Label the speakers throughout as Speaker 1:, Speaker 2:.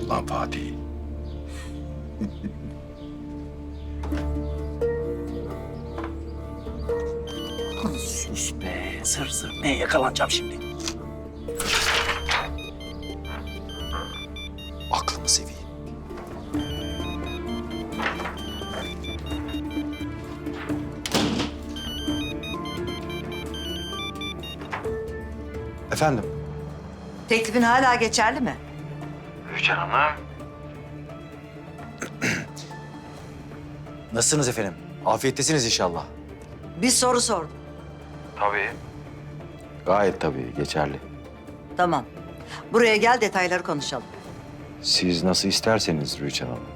Speaker 1: Lan Fatih.
Speaker 2: Sus be, zır zır. Neye yakalanacağım şimdi?
Speaker 1: Aklımı seveyim. Efendim?
Speaker 3: Teklifin hala geçerli mi?
Speaker 1: Rüçhan Hanım. Nasılsınız efendim? Afiyettesiniz inşallah.
Speaker 3: Bir soru sordum.
Speaker 1: Tabii. Gayet tabii, geçerli.
Speaker 3: Tamam. Buraya gel, detayları konuşalım.
Speaker 1: Siz nasıl isterseniz Rüçhan Hanım.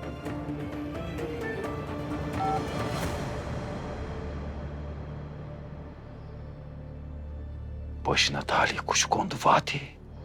Speaker 1: Başına talih kuşu kondu Fatih.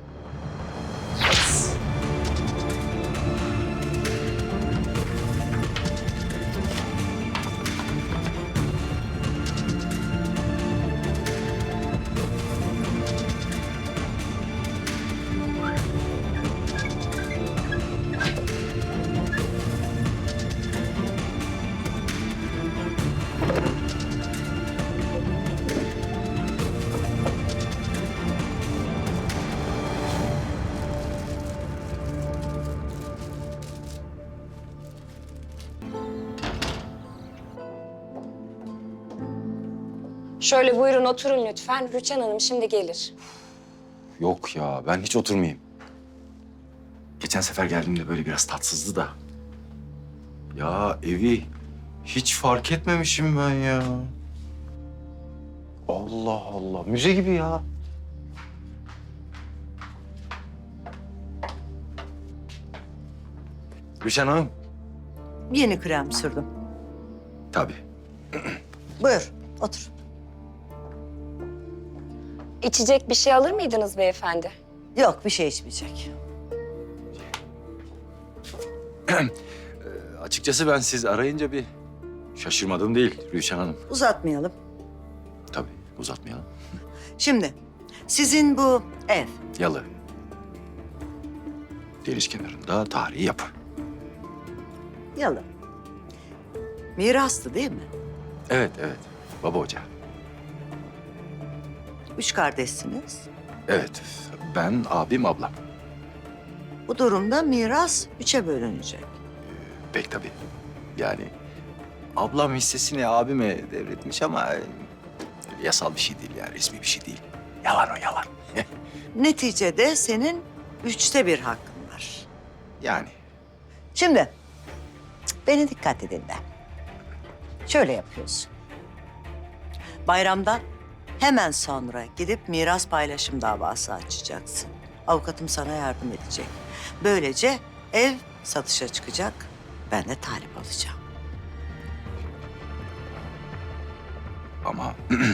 Speaker 4: Şöyle buyurun oturun lütfen. Rüçhan Hanım şimdi gelir.
Speaker 1: Yok ya, ben hiç oturmayayım. Geçen sefer geldiğimde böyle biraz tatsızdı da. Ya evi hiç fark etmemişim ben ya. Allah Allah, müze gibi ya. Rüçhan Hanım.
Speaker 3: Yeni krem sürdüm.
Speaker 1: Tabii.
Speaker 3: Buyur, otur.
Speaker 4: İçecek bir şey alır mıydınız beyefendi?
Speaker 3: Yok, bir şey içmeyecek.
Speaker 1: Açıkçası ben siz arayınca bir şaşırmadım değil Rüçhan Hanım.
Speaker 3: Uzatmayalım.
Speaker 1: Tabii, uzatmayalım.
Speaker 3: Şimdi, sizin bu ev,
Speaker 1: Yalı. Deniz kenarında tarihi yapı.
Speaker 3: yalı. Mirastı değil mi?
Speaker 1: Evet, evet. Baba ocağı.
Speaker 3: 3 kardeşsiniz.
Speaker 1: Evet, ben, abim, ablam.
Speaker 3: Bu durumda miras 3'e bölünecek.
Speaker 1: Pek tabii. Yani ablam hissesini abime devretmiş ama yasal bir şey değil yani, resmi bir şey değil. Yalan o, yalan.
Speaker 3: Neticede senin 1/3 hakkın var.
Speaker 1: Yani
Speaker 3: Şimdi, beni dikkat dinle. Şöyle yapıyorsun. Bayramdan hemen sonra gidip miras paylaşım davası açacaksın. Avukatım sana yardım edecek. Böylece ev satışa çıkacak. Ben de talip olacağım.
Speaker 1: ama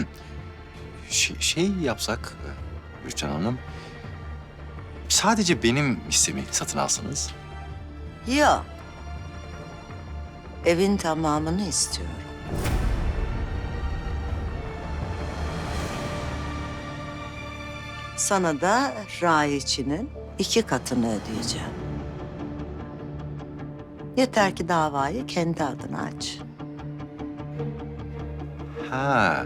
Speaker 1: şey yapsak Rüçhan Hanım, sadece benim hissemi satın alsanız.
Speaker 3: Yok. Evin tamamını istiyorum. Sana da raiçinin 2 katını ödeyeceğim. Yeter ki davayı kendi adına aç.
Speaker 1: Ha.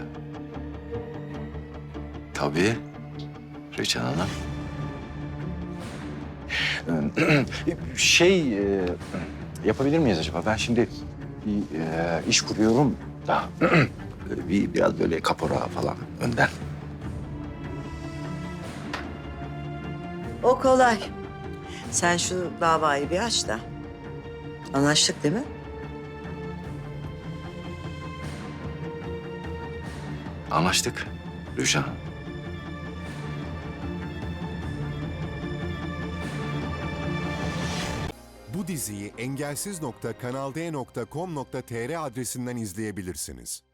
Speaker 1: Tabii. Rüçhan Hanım. Yapabilir miyiz acaba? Ben şimdi bir iş kuruyorum da biraz böyle kapora falan önden.
Speaker 3: O kolay. Sen şu davayı bir aç da. Anlaştık değil mi?
Speaker 1: Anlaştık Rüçhan Hanım.
Speaker 5: Bu diziyi engelsiz.kanalde.com.tr adresinden izleyebilirsiniz.